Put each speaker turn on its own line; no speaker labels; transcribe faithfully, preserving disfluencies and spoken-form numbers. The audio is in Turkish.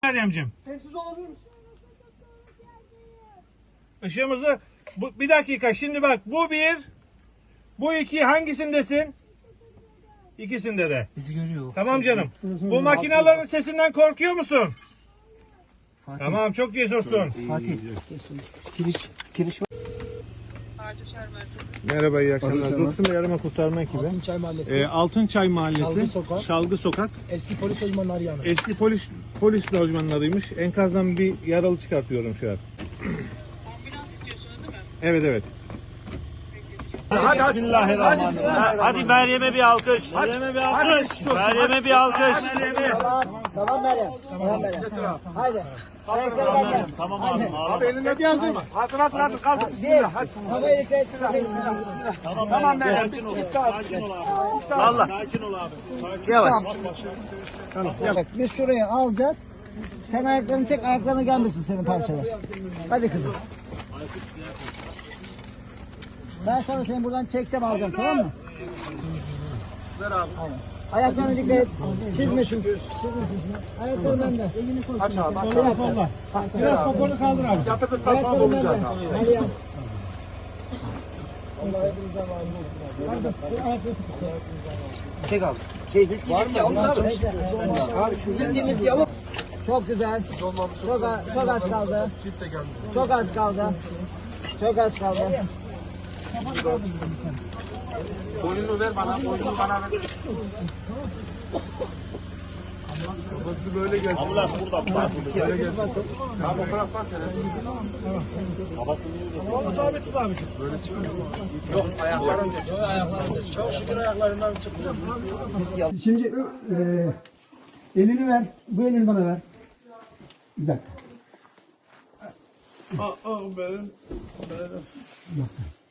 Meryemciğim?
Sessiz olabilir misin?
Işığımızı bu, bir dakika şimdi bak bu bir, bu iki, hangisindesin? İkisinde de.
Bizi görüyor.
Tamam canım. Bu makinelerin sesinden korkuyor musun?
Fatih.
Tamam, çok cesursun.
Fatih. Kiriş. Kiriş.
Merhaba, iyi akşamlar. Dostum ve Arama Kurtarma ekibi.
Altınçay Mahallesi.
Ee, Altınçay Mahallesi,
Şalgı Sokak.
Şalgı Sokak.
Eski polis lojmanı arayanı.
Eski polis polis lojmanının adıymış. Enkazdan bir yaralı çıkartıyorum şu an. Evet evet.
Hadi hadi.
Bismillahirrahmanirrahim.
Hadi Meryem'e bir alkış.
Meryem'e bir alkış.
Meryem'e bir alkış.
Tamam Meryem. Tamam Meryem. Haydi. Ayakları benden.
Tamam abi.
Abi elinde bir hazır mı? Hazır hazır hazır kaldı.
Bir.
Bismillah hadi.
Havayı dikkat et.
Bismillah bismillah.
Tamam,
Tamam Meryem.
sakin ol.
Bitti abi.
Sakin ol abi.
Allah.
Sakin ol abi. Sakin
Yavaş.
Bak biz şuraya alacağız. Sen ayaklarını çek, ayaklarına gelmesin senin parçalar. Hadi kızım. Ben sana seni buradan çekeceğim, alacağım, tamam mı? Ver abi. Ayaklarını dikkat et. Çizmesin. Çizmesin. Ayaklarını bende.
Aç abi aç
Kolla
abi.
kolla. Biraz poponu kaldır abi.
Yatırdıktan sonra
Ayaklarını
olacağız
bende.
abi.
Hadi ya. Allah hepinizden var olsun. Hadi bu ayakları sıkıştır.
Çek abi. Çek.
Var mı? Abi şu bildiğimiz yalıp. Çok güzel. Çok az, çok az kaldı. Çok az kaldı. Çok az kaldı.
Boynunu ver bana. Boynunu bana ver.
Ambulans burada.
Böyle gel. Abi o taraftan seyret.
Onu sabit tut abi.
Yok ayaklarım geç. Çok şükür ayaklarından çıktı.
Şimdi e, elini ver. Bu elini bana ver. Bir dakika.
Aa, benim.